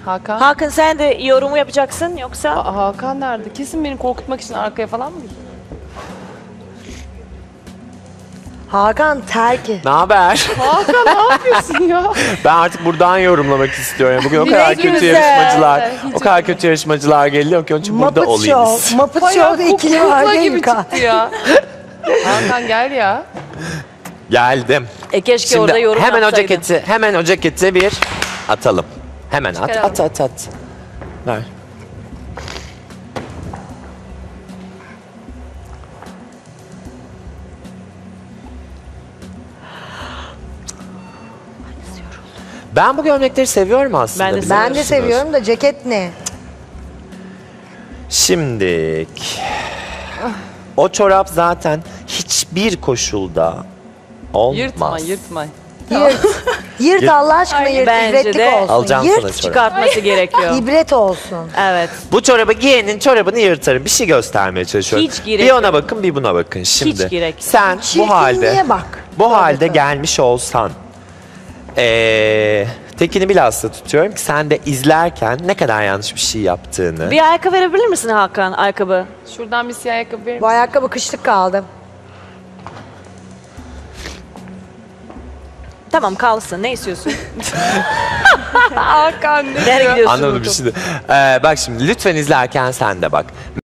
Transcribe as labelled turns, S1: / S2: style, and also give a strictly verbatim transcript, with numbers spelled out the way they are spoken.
S1: Hakan.
S2: Hakan sen de yorumu yapacaksın yoksa?
S1: Aa, Hakan nerede? Kesin beni korkutmak için arkaya falan mı gidiyor?
S3: Hakan terki.
S4: Ne haber?
S1: Hakan ne yapıyorsun ya?
S4: Ben artık buradan yorumlamak istiyorum. Bugün o kadar
S3: Ne
S4: kötü
S3: güzel.
S4: yarışmacılar,
S1: Hiç
S4: o kadar kötü yarışmacılar geliyor ki onun için burada
S3: Muppet
S4: olayım.
S3: Show. Muppet
S1: Bayağı
S3: Show'da ikili var
S1: kukla
S3: değil
S1: gibi
S3: mi? Ka-
S1: çıktı ya. Hakan gel ya.
S4: Geldim.
S2: E keşke
S4: Şimdi
S2: orada yorum
S4: hemen o
S2: yapsaydın.
S4: ceketi, hemen o ceketi bir atalım. Hemen at,
S1: Çıkaralım.
S4: at, at, at. Ver. Ben bu gömlekleri seviyorum aslında.
S2: Ben de
S4: biliyor
S3: Ben de
S4: musunuz?
S3: seviyorum da ceket ne?
S4: Şimdik. O çorap zaten hiçbir koşulda olmaz.
S1: Yırtma yırtma.
S3: Yırt. Yırt Allah aşkına yırt.
S2: Bence
S3: İbretlik
S2: de.
S3: olsun.
S4: Alacağım sana
S3: Yırt.
S4: çorap.
S2: Çıkartması gerekiyor.
S3: İbret olsun.
S2: Evet.
S4: Bu çorabı giyenin çorabını yırtarım. Bir şey göstermeye çalışıyorum.
S2: Hiç gerek
S4: Bir ona
S2: yok.
S4: bakın bir buna bakın şimdi.
S2: Hiç gerek yok.
S4: Sen bu halde
S3: Çirkinliğe bak.
S4: bu halde
S3: Tabii.
S4: gelmiş olsan ee, tekini bilhassa tutuyorum ki sen de izlerken ne kadar yanlış bir şey yaptığını.
S2: Bir ayakkabı verebilir misin Hakan? Ayakkabı.
S1: Şuradan bir siyah ayakkabı verir
S3: Bu
S1: misin?
S3: ayakkabı kışlık kaldı.
S2: Tamam kalsın. Ne istiyorsun?
S1: Hakan ne
S2: Nereye
S1: diyor?
S2: gidiyorsun?
S4: Anlamadım bir şey de. Ee, bak şimdi lütfen izlerken sen de bak.